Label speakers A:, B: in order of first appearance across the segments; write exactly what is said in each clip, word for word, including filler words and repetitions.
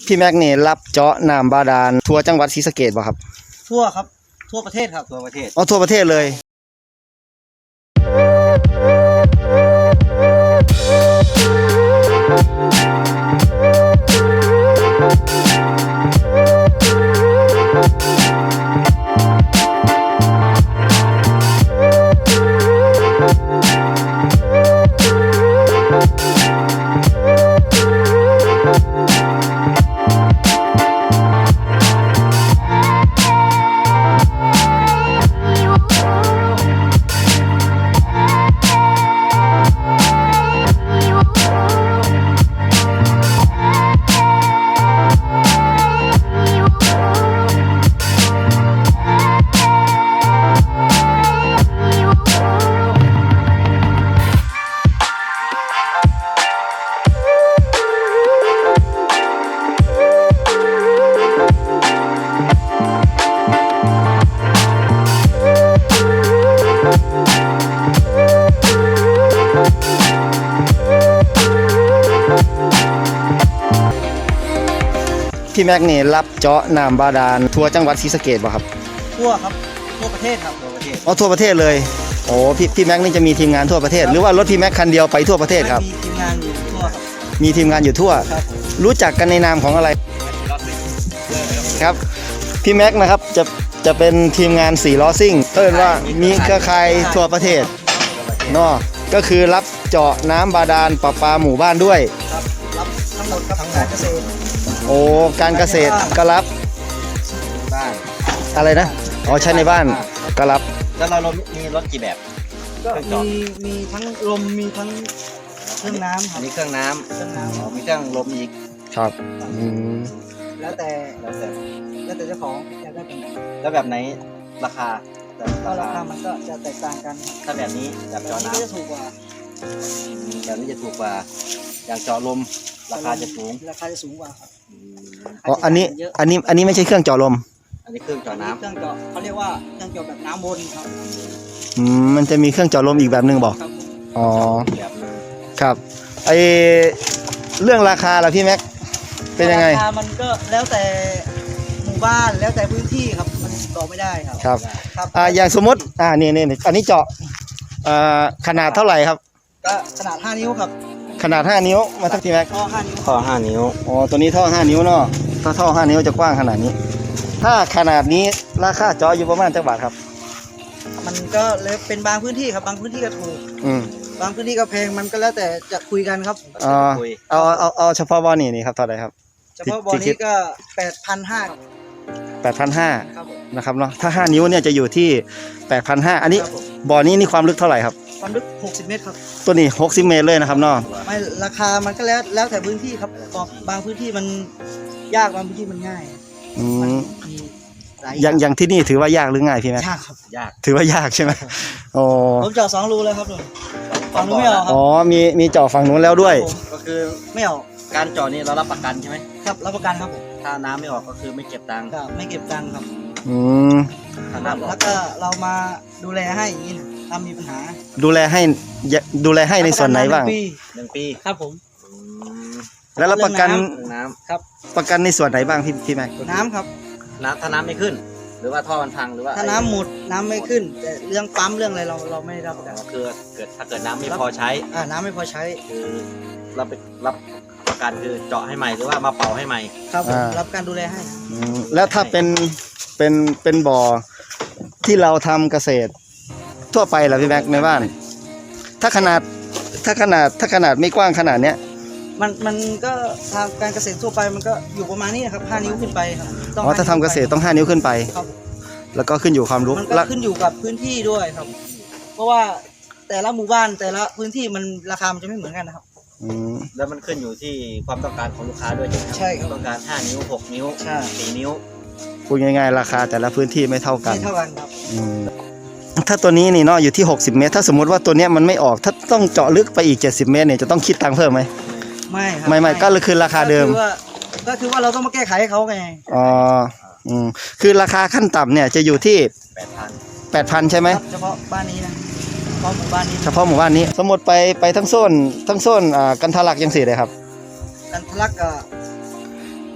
A: พี่แม็กนี่รับเจาะน้ำบาดาลทั่วจังหวัดศรีสะเกษบ่ครับ
B: ทั่วครับทั่วประเทศครับทั่วประเทศ
A: อ๋อทั่วประเทศเลยพี่แม็กนี่รับเจาะน้ำบาดาลทั่วจังหวัดศรีสะเกษบ่ครับ
B: ทั่วครับทั่วประเทศครับทั่วประเทศ
A: อ๋อทั่วประเทศเลยโอ้พี่พี่แม็กนี่จะมีทีมงานทั่วประเทศหรือว่ารถพี่แม็กคันเดียวไปทั่วประเทศครับ
B: มีทีมงานอยู่ทั่วครับ
A: มีทีมงานอยู่ทั่วรู้จักกันในนามของอะไรครับพี่แม็กนะครับจะจะเป็นทีมงานสี่ล้อซิ่งเอิ้นว่ามีเครือข่ายทั่วประเทศเนาะก็คือรับเจาะน้ำบาดาลประปาหมู่บ้านด้วย
B: ครับรับทั้งหมดครับทั้งการเกษตร
A: โอ้การเกษตรก็รับ
B: บ้าน
A: อะไรนะอ๋อใช้ในบ้านก็รับ
B: แล้วเรามีรถกี่แบบก็มีมีทั้งลมมีทั้งเครื่องน้ำอันนี้เครื่องน้ำเครื่องน้ำอ๋อมีเครื่องลมอีก
A: ครับอืม
B: แล้วแต่แล้วแต่แล้วแต่เจ้าของอยากได้แบบไหนแล้วแบบไหนราคาก็ราคามันก็จะแตกต่างกันถ้าแบบนี้แบบเจาะน้ำจะถูกกว่าแบบนี้จะถูกกว่าอย่างเจาะลมราคาจะสูงราคาจะสูงกว่าครับ
A: อ๋ออันนี้อันนี้อันนี้ไม่ใช่เครื่องเจาะลม
B: อันนี้เครื่องเจาะน้ำเครื่องเจาะเขาเรียกว่าเครื่องเจาะแบบน้ำวนครับ
A: อืมมันจะมีเครื่องเจาะลมอีกแบบหนึ่งบอกอ๋อครับไอเรื่องราคาล่ะพี่แม็กเป็นยังไง
B: ราคามันก็แล้วแต่หมู่บ้านแล้วแต่พื้นที่ครับมันบอกไม่ได้ครับ
A: ครับอ่าอย่างสมมติอ่านี่นี่อันนี้เจาะอ่าขนาดเท่าไหร่ครับ
B: ก็ขนาดห้านิ้วครับ
A: ขนาดห้านิ้วมาทักทีแม็ก
B: ท่อห้านิ้ว
A: ท่อห้านิ้วอ๋อตัวนี้ท่อห้านิ้วเนาะถ้าท่อห้านิ้วจะกว้างขนาดนี้ถ้าขนาดนี้ราคาเจาะอยู่ประมาณเท่าบาทครับ
B: มันก็เลยเป็นบางพื้นที่ครับบางพื้นที่ก็ถูก
A: อืม
B: บางพื้นที่ก็แพงมันก็แล้วแต่จะคุยกันครับ
A: อ๋อเอาเอาเอาเฉพาะบ่อนี่นี่ครับเท่าไหร่ครับ
B: เฉพาะบ่อนี้ก็แปดพันห้า
A: แปดพันห้านะครับเนาะถ้าห้านิ้วเนี่ยจะอยู่ที่แปดพันห้าอันนี้บ่อนี้นี่ความลึกเท่าไหร่ครับ
B: ความลึกหกสิบเมตรครับ
A: ตัวนี้หกสิบเมตรเลยนะครับเนาะ
B: ไม่ราคามันก็แล้วแล้วแต่พื้นที่ครับบางพื้นที่มันยากบางพื้นที่มันง่าย
A: อืมอย่างอย่างที่นี่ถือว่ายากหรือง่ายพี่แม็ก
B: ยากครับยาก
A: ถือว่ายากใช่ไหมโอ้
B: ผมเจาะสองรูเลยครับฝั่งนู้นไม่เอาครับ
A: อ๋อมีมีเจาะฝั่งนู้นแล้วด้วย
B: ก็คือไม่เอาการเจาะนี่เรารับประกันใช่ไหมครับรับประกันครับผมถ้าน้ำไม่ออกก็คือไม่เก็บตังค์ครับไม่เก็บตังค์ครับ
A: อืม
B: แล้วก็เรามาดูแลให้อย่างนี้นะถ้ามีปัญหา
A: ดูแลให้ดูแลให้ในส่วนไหนบ้าง
B: หนึ่งปีครับผม
A: แล้วรับประกัน
B: น้ำครับ
A: ประกันในส่วนไหนบ้างพี่พี่แม็ก
B: น้ำครับน้ำถ้าน้ำไม่ขึ้นหรือว่าท่อมันพังหรือว่าถ้าน้ำหมดน้ำไม่ขึ้นแต่เรื่องปั๊มเรื่องอะไรเราเราไม่รับแต่คือเกิดถ้าเกิดน้ำไม่พอใช้อ่าน้ำไม่พอใช้คือเราไปรับประกันคือเจาะให้ใหม่หรือว่ามาเป่าให้ใหม่ครับรับการดูแลให้
A: แล้วถ้าเป็นเป็นเป็นบ่อที่เราทำเกษตรทั่วไปล่ะพี่แม็กในบ้านถ้าขนาดถ้าขนาดถ้าขนาดไม่กว้างขนาดเนี้ย
B: มันมันก็ทางการเกษตรทั่วไปมันก็อยู่ประมาณนี้ครับห้านิ้วขึ้นไปครับ
A: อ๋อถ้าทำเกษตรต้องห้านิ้วขึ้นไปครับแล้วก็ขึ้นอยู่ความรู้
B: มันก็ขึ้นอยู่กับพื้นที่ด้วยครับเพราะว่าแต่ละหมู่บ้านแต่ละพื้นที่มันราคามันจะไม่เหมือนกันนะครับ
A: อืม
B: แล้วมันขึ้นอยู่ที่ความต้องการของลูกค้าด้วยใช่ครับต้องการห้านิ้วหกนิ้วสี่นิ้ว
A: พูดง่ายๆราคาแต่ละพื้นที่ไม่เท่ากัน
B: ไม่เท่ากันครับ
A: อืมถ้าตัวนี้นี่เนาะอยู่ที่หกสิบเมตรถ้าสมมติว่าตัวเนี้ยมันไม่ออกถ้าต้องเจาะลึกไปอีกเจ็ดสิบเมตรเนี่ยจะต้องคิดตังค์เพิ่มไหม
B: ไม่ครับ
A: ไม่ไม่ก็คือราคาเดิม
B: ก็คือว่าเราต้องมาแก้ไขให้เขาไง
A: อ๋ออืมคือราคาขั้นต่ำเนี่ยจะอยู่ที่
B: แปดพัน
A: แปดพันใช่ไหม
B: เฉพาะบ้านนี้นะเฉพาะหมู่บ้านนี้
A: เฉพาะหมู่บ้านนี้สมมติไปไปทั้งโซนทั้งโซนอ่ากันทะลักยังสี่เลยครับ
B: กันทะลักก็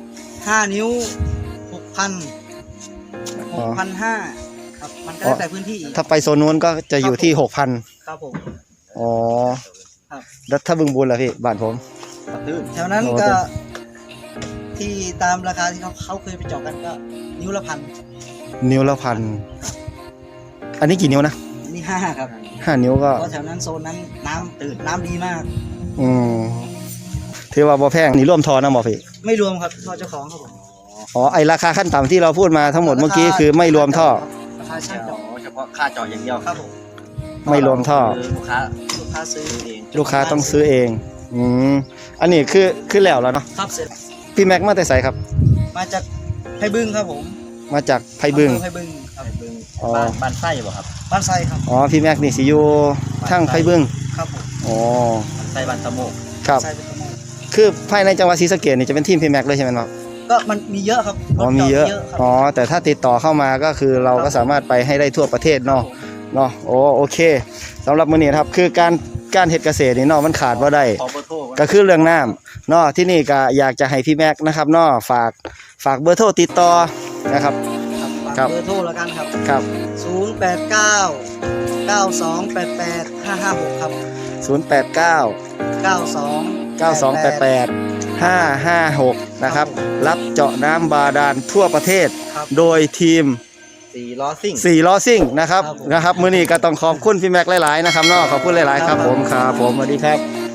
C: ห้านิ้วหกพันหกพันห้าครับมันก็แล้วแต่พื้นที่
A: ถ้าไปโซนนู้นก็จะอยู่ที่หกพัน
C: ครับผม
A: อ๋อ
C: ครับ
A: แล้วถ้าบึงบุญล่ะพี่บ้านผม
B: กระตื้น
C: แถวนั้น
A: โอ้
C: ก็
A: แต่
C: ที่ตามราคาที่เขาเขาเคยไปเจาะกันก็นิ้วละพัน
A: นิ้วละพันอันนี้กี่นิ้วนะ
C: นี่ห้าครับ
A: ห้านิ้วก็
C: เพราะแถวนั้นโซนนั้นน้ำตื่นน้ำดีมาก
A: อืมถือว่าบ่แพงนี่ร่วมทอนะหมอพี่
C: ไม่รวมครับท่อเจ้าของครับผม
A: อ๋อไอราคาขั้นต่ำที่เราพูดมาทั้งหมดเมื่อกี้คือไม่รวมท่อ
C: ราคาช่างเจาะ
B: เฉพาะค่าเจาะอย่างเดียว
C: ครับผม
A: ไม่รวมท่อ
B: คือลูกค้า
C: ลูกค้าซื้อ
B: ซื้อเอง
A: ลูกค้าต้องซื้อเองอืมอันนี้คือคือแล้วแล้วเนาะ
C: ครับเสร็จ
A: พี่แม็กมาแต่ไสครับ
C: มาจากไผ่บึงครับผม
A: มาจากไผ่บึง
C: อำเภอไผ่บึงครับ
B: ไผ่บึง
A: อ๋อ
B: บ้านบ้านไส้บ่ครับ
C: บ้านไซครับ
A: อ๋อพี่แม็กนี่สิอยู่ทั้งไผ่บึง
C: ครับผม
A: อ๋อ
B: บ้านไส้บ้านตะโมก
A: ครับ
C: ไซเป็นตะโมก
A: คือภายในจังหวัดศรีสะเกษนี่จะเป็นทีมพี่แม็กเลยใช่ไหมครับ
C: ก็มันมีเยอะครับร
A: อ๋อ
C: ถ
A: มี
C: จ
A: เยอะ
C: ครับ
A: อ๋อแต่ถ้าติดต่อเข้ามาก็คือเราก็สามารถไปให้ได้ทั่วประเทศเนาะเนาะโอ้โอเคสำหรับมื้อนี้นะครับคือการการเฮ็ดเกษตรนี่เนาะมันขาดบ่ได้
B: ขอเบอร์โทร
A: ก็คือเรื่องน้ำเนาะที่นี่ก็อยากจะให้พี่แม็กนะครับเนาะฝากฝากเบอร์โทรติดต่อนะครับ
C: ครับ
A: ครับ
C: เบอร์โทรแล้วกันครับ
A: ครับ
C: ศูนย์ แปด เก้า เก้า สอง แปด แปด ห้า ห้า หกครับ
A: ศูนย์ แปด เก้า
C: เก้า สอง
A: เก้า สอง แปด แปด ห้า ห้า หกนะครับรับเจาะน้ำบาดาลทั่วประเทศ
C: ครับ
A: โดยทีม
B: สี่ล้อซิ่ง
A: สี่ล้อซิ่งนะครับ
C: ครับผม
A: นะครับมื้อนี้ก็ต้องขอบคุณพี่แม็กหลายๆนะครับเนาะขอบคุณหลายๆครับผมครับผมสวัสดีครับ